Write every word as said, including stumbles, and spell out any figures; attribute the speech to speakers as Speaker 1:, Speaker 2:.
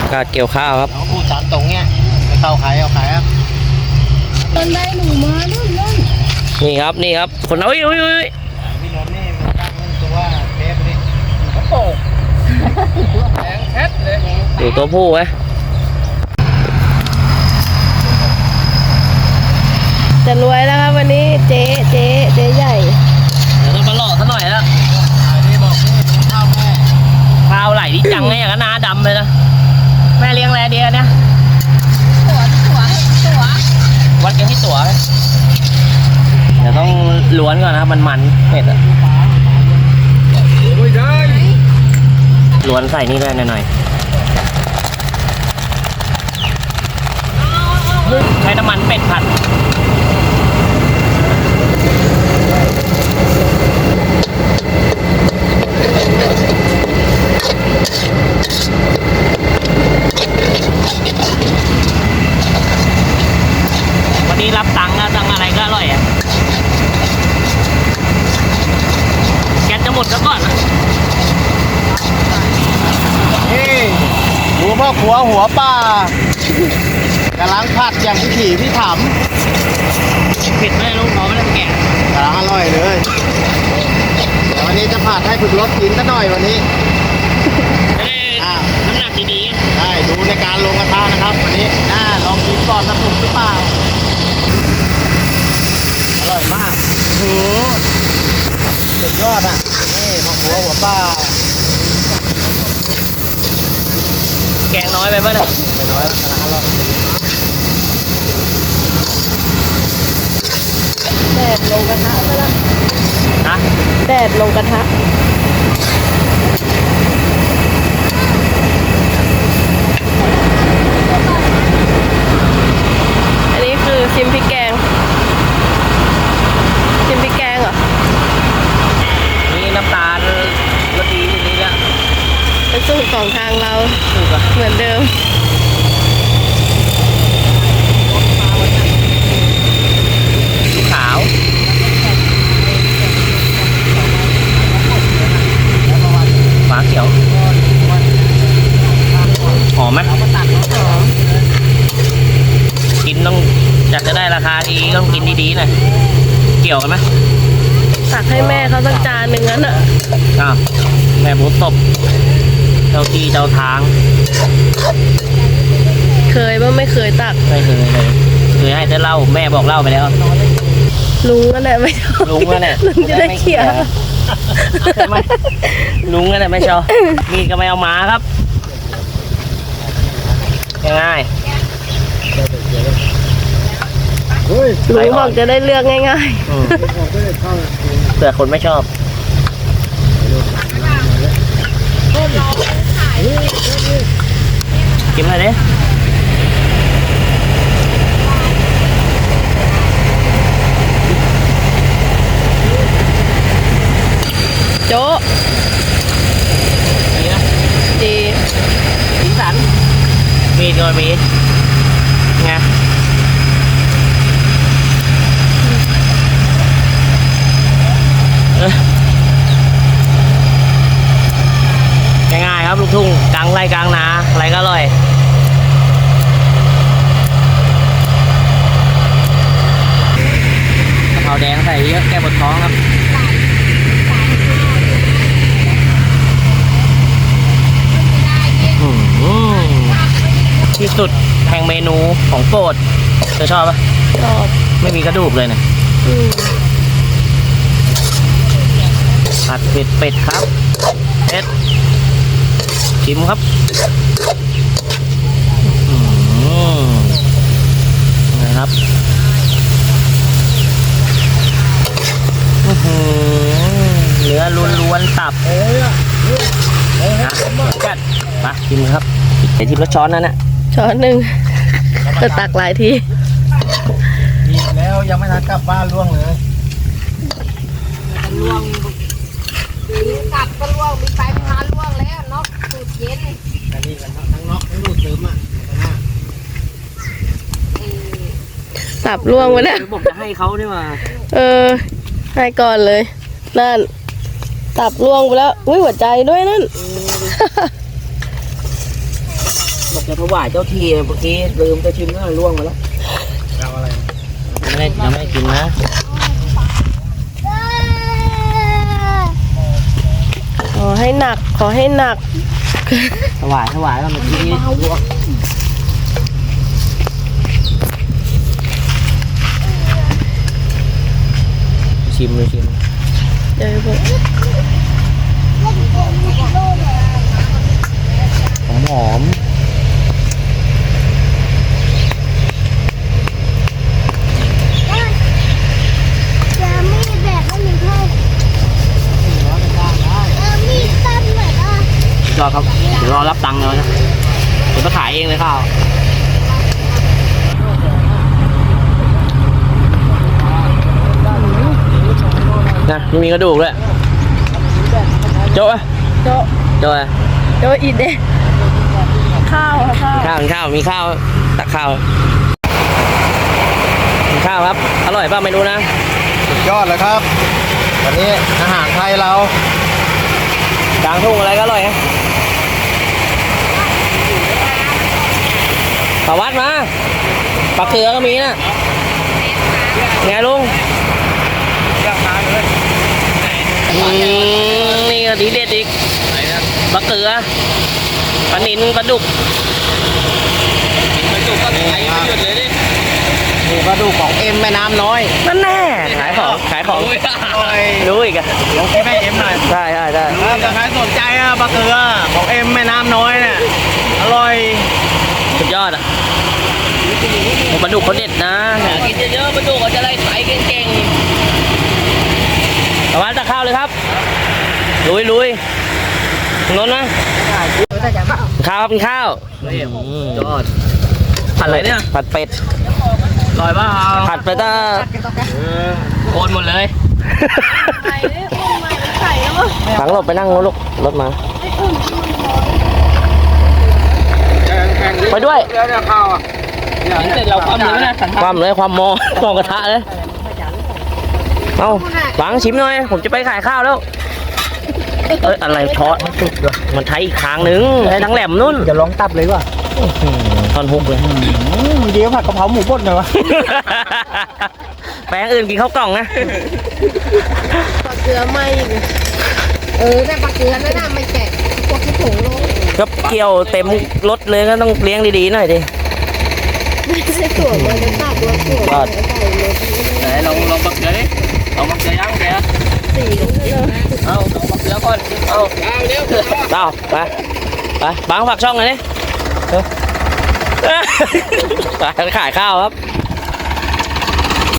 Speaker 1: การเกี่ยวข้าวครับ
Speaker 2: พูดสามตรงเนี้ยไม่เข้าขายเอาขายครับ
Speaker 3: ตอนได้หนูมานู่นนั่น
Speaker 1: นี่ครับนี่ครับคนเอาอุ้ยอุ้ยอุ้ย
Speaker 2: พี่นนท์นี่มันตั้งนั่นตัวเทปนี่เขาโตแข็งแคทเลย
Speaker 1: ดูตัวผู้ไหม
Speaker 3: จะรวยแล้วครับวันนี้เจ๊เจ๊เจ๊ใหญ่
Speaker 1: เดี๋ยวต้องมาหล่อซะหน่อยแล้ว
Speaker 2: นี่บอกนี่ข้าวแม่
Speaker 1: ข้าวไหลที่จังไงอย่างนั้นน้าดำเลยนะแม่เลี้ยงแรเดียเนี่ย
Speaker 3: ตัวตัวตัว
Speaker 1: วัดกันที่ตัวเดี๋ยวต้องล้วนก่อนนะครับมันมันเผ็ดอะล้วนใส่นี่ได้หน่อยใช้น้ำมันเป็ดผัดวันนี้รับตังค์นะตังค์อะไรก็อร่อยอ่ะแกจะหมดซะก่อนนะ
Speaker 2: นี่ดูพ่อขัวหัวป่ากำลังผัดอย่างพิถีพิถัน
Speaker 1: เผ็ดไหมลูกเขาไม่ได้แกะ
Speaker 2: กำลังอร่อยเลยเดี๋ยววันนี้จะผัดให้ฝึกรสกินซะหน่อยวันนี้
Speaker 1: น้ำหนักดี
Speaker 2: ๆได้ดูในการลงกระทะนะครับวันนี้น่าลองกินก่อนนะถูกหรือเปล่าอร่อยมากโอ้โหสุดยอดอ่ะนี่พ่อขัวหัวป่า
Speaker 1: แกงน้อยไปป่ะเนี่ย
Speaker 2: ไม่น้อยกำลังอร่อย
Speaker 3: แดดลงกระทะไปแล้ว
Speaker 1: ฮะ
Speaker 3: แดดลงกระทะอันนี้คือชิมพริกแกงชิมพริกแกงเหรอ
Speaker 1: นี่น้ำตาลรสดีนี่ละ
Speaker 3: เป็นสูตรของทางเราเหมือนเดิม
Speaker 1: ขาวฝาเขียวหอมไหมหอมกินต้องอยากจะได้ราคาดีต้องกินดีๆหน่อยเกี่ยวกันไหม
Speaker 3: ตักให้แม่เขาสักจานหนึ่งนั้นอ่ะ
Speaker 1: อ้าวแม่บุษบเจ้าที่เจ้าทาง
Speaker 3: เคยบ้างไม่เคยตัก
Speaker 1: ไม่เคยเลยเคยให้แต่เล่าแม่บอกเล่าไปแล้ว
Speaker 3: ลุงนั่นแหละไม่ชอบ
Speaker 1: ลุงนั่นแหละ
Speaker 3: ลุงจะได้เขี่ย
Speaker 1: ลุงนั่นแหละไม่ชอบมีก็ไม่เอามาครับง่าย
Speaker 3: ลุงบอกจะได้เลือกง่าย
Speaker 1: ๆเผื่อคนไม่ชอบกินอะไรเนี่ย
Speaker 3: โจ๊ะ
Speaker 1: ดีนะ
Speaker 3: ดี
Speaker 1: สีสันมีตัวมีไงง่ายๆครับลูกทุ่งกลางไร่กลางนาอะไรก็อร่อยกะเพราแดงใส่เยอะแก้ปวดท้องครับที่สุดแห่งเมนูของโปรดเธอชอบปะ
Speaker 3: ชอบ
Speaker 1: ไม่มีกระดูกเลยเนี่ยผัดเผ็ดเป็ดครับเผ็ดชิมครับนะครับเนื้อล้วนๆตับนะกัดมาชิมครับไอทิมละช้อนนั่นนะ
Speaker 3: ช้อนหนึ่งจะตักหลายที
Speaker 2: อีกแล้วยังไม่ทันกลับบ้านล่วงเลย
Speaker 4: ล่วงกลับก็ล่วงมีไปพาล่วงแล้วนกสูดเย็น
Speaker 2: แต่นี่กันทั้งนกทั้งดูดซึมอ่ะ
Speaker 3: สับล่วงไปแล้ว
Speaker 1: บอกจะให้เขาด้วยว่า
Speaker 3: เออให้ก่อนเลยนั่นตับล่วงไปแล้วอุ้ยหัวใจด้วยนั่น
Speaker 1: บอกจะถวายเจ้าที่เมื่อกี้ลืมจะชิมแล้วล่วงมาแล้ว
Speaker 2: เอาอะไร
Speaker 1: ยังไม่ยังไม่กินนะ
Speaker 3: ขอให้หนัก ขอให้หนัก
Speaker 1: ถวายถวายแล้วเมื่อกี้ลวกชิมเลยชิม
Speaker 3: เดี๋ยวผม
Speaker 1: หอมหอม
Speaker 5: จะมีแบบไม่มีข้าวเออมีตั้มหน่อยอ่ะ
Speaker 1: รอครับเดี๋ยวรอรับตังค์เลยนะผมจะขายเองเลยข้าวนะไม่มีกระดูกด้วยโจ๊ะ
Speaker 3: โจ๊ะ
Speaker 1: โจ๊ะ
Speaker 3: โจ๊ะอีเดะข้าวค่ะข้าว
Speaker 1: ข้าวมีข้าวมีข้าวตักข้าวมีข้าวครับอร่อยป่ะไม่รู้นะ
Speaker 2: สุดยอดเลยครับวันนี้อาหารไทยเรา
Speaker 1: กลางทุ่งอะไรก็อร่อยฮะปลาวัดมาปลาเกลือก็มีนะไงลุงอืมนี่ก็ดีเด็ดอีกปลาเกลือปลาหนินปลาดุกปลาดุกก็ขายไม่หยุดเลยดิ
Speaker 2: นี่กระดูกของเอ็มแม่น้ำน้อย
Speaker 1: นั่นแน่ขายของขายของรู้อีกอะ
Speaker 2: ลองกินแม่เอ็มหน่อย
Speaker 1: ใช่ใช่ใช่
Speaker 2: ถ้าใครสนใจอะปลาเกลือของเอ็มแม่น้ำน้อยเนี่ยอร่อย
Speaker 1: สุดยอดอ่ะปลาดุกเขาเด็ดนะกินเยอะๆปลาดุกเขาจะไล่ไถเก่งๆประมาณตะข้าวเลยครับลุยลุยนนท์นะข้าวครับกินข้าวยอดผัดอะไรเนี่ยผัดเป็ดอร่อยป่ะผัดเป็ดอ่ะโคนหมดเลย
Speaker 3: ไข่เนี่ยอุ้มมาเป็นไข่แล้วมั้ง
Speaker 1: ถังหลบไปนั่งลูกรถมาไปด้วย
Speaker 2: เดี๋ยวจะเข้าอ่ะ
Speaker 1: เสร็จเราความเลยนะความเลยความมอมองกระทะเลยเอาหวังชิมหน่อยผมจะไปขายข้าวแล้วเอ้ยอะไรทอดมันไทยอีกครั้งหนึ่งไทยทั้งแหลมนุ่น
Speaker 2: จะลองตับเลยว่ะ
Speaker 1: ทอนฮุกเลย
Speaker 2: เดี๋ยวผัดกะเพราหมูบดหน่อยวะ
Speaker 1: แปลงอื่นกินข้าวกล่องนะ
Speaker 3: ปลาเกลือไหมอีก
Speaker 4: เออแต่ปลาเกลือนั่นน่ะไม่แกะพวกที่ถุงลง
Speaker 1: ก็เกี่ยวเต็มรถเลยก็ต้องเลี้ยงดีๆหน่อยดิ
Speaker 3: ไม่ใช่ถั่วมันจะตัดตัวถั่ว
Speaker 1: ก็
Speaker 3: ใส่เลย
Speaker 1: ไหนลองลองบักเกลือดิลองบักเกลือย่างแก
Speaker 3: สีกันเลย
Speaker 1: เอาลองบักเกลือก่อนเอาเร็วเอาไปไปบางฝากช่องหน่อยดิไปขายข้าวครับ